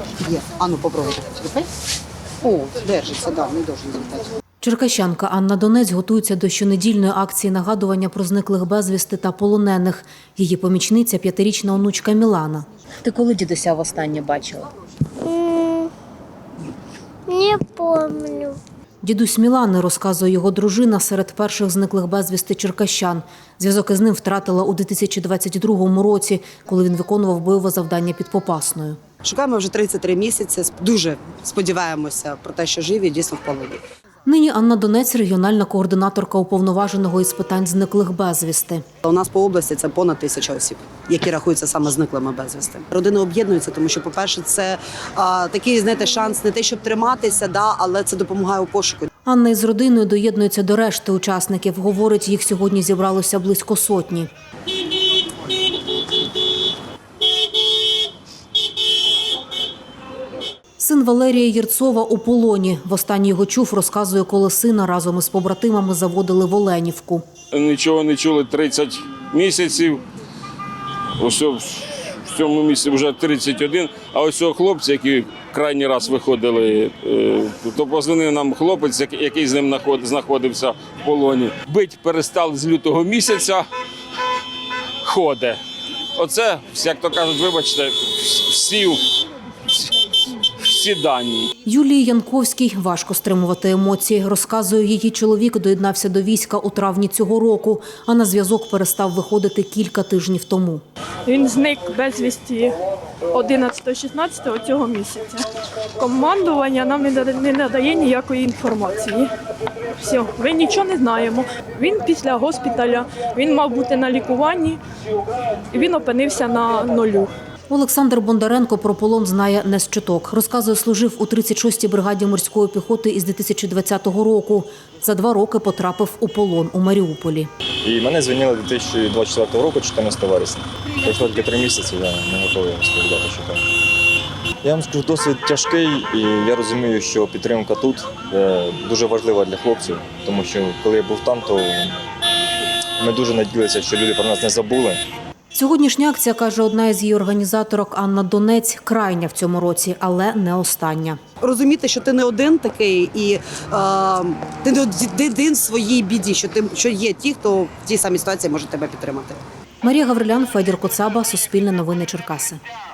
Є. А ну, попробуйте. О, держиться, да, не должен злітати. Черкащанка Анна Донець готується до щонедільної акції нагадування про зниклих безвісти та полонених. Її помічниця – 5-річна онучка Мілана. Ти коли дідуся востаннє бачила? Не помню. Дідусь Мілани, розказує його дружина, серед перших зниклих безвісти черкащан. Зв'язок із ним втратила у 2022 році, коли він виконував бойове завдання під Попасною. Шукаємо вже 33 місяці. Дуже сподіваємося про те, що живі дійсно в полоні. Нині Анна Донець – регіональна координаторка уповноваженого із питань зниклих безвісти. У нас по області це понад 1000 осіб, які рахуються саме зниклими безвісти. Родини об'єднуються, тому що, по-перше, це такий, знаєте, шанс не те, щоб триматися, але це допомагає у пошуку. Анна із родиною доєднується до решти учасників. Говорить, їх сьогодні зібралося близько сотні. Син Валерія Єрцова у полоні. Востаннє його чув, розказує, коли сина разом із побратимами заводили в Оленівку. Нічого не чули 30 місяців. Ось в цьому місці вже 31. А ось цього хлопця, які крайній раз виходили, то позвонив нам хлопець, який з ним знаходився в полоні. Бить перестали з лютого місяця, ходить. Оце, як то кажуть, вибачте, всі дані. Юлії Янковській важко стримувати емоції. Розказує, її чоловік доєднався до війська у травні цього року, а на зв'язок перестав виходити кілька тижнів тому. Він зник безвісті 11-16 цього місяця. Командування нам не надає ніякої інформації. Все, ми нічого не знаємо. Він після госпіталя, він мав бути на лікуванні, і він опинився на нулю. Олександр Бондаренко про полон знає не з чуток. Розказує, служив у 36-й бригаді морської піхоти із 2020 року. За 2 роки потрапив у полон у Маріуполі. І мене звільнили 2024 року, 14 вересня. Пройшло тільки 3 місяці, я не готовий розповідати, що так. Я вам скажу, досвід тяжкий, і я розумію, що підтримка тут дуже важлива для хлопців, тому що коли я був там, то ми дуже надіялися, що люди про нас не забули. Сьогоднішня акція, каже одна із її організаторок Анна Донець, крайня в цьому році, але не остання. Розуміти, що ти не один такий і ти не один в своїй біді, що є ті, хто в тій самій ситуації може тебе підтримати. Марія Гаврилян, Федір Коцаба, Суспільне новини Черкаси.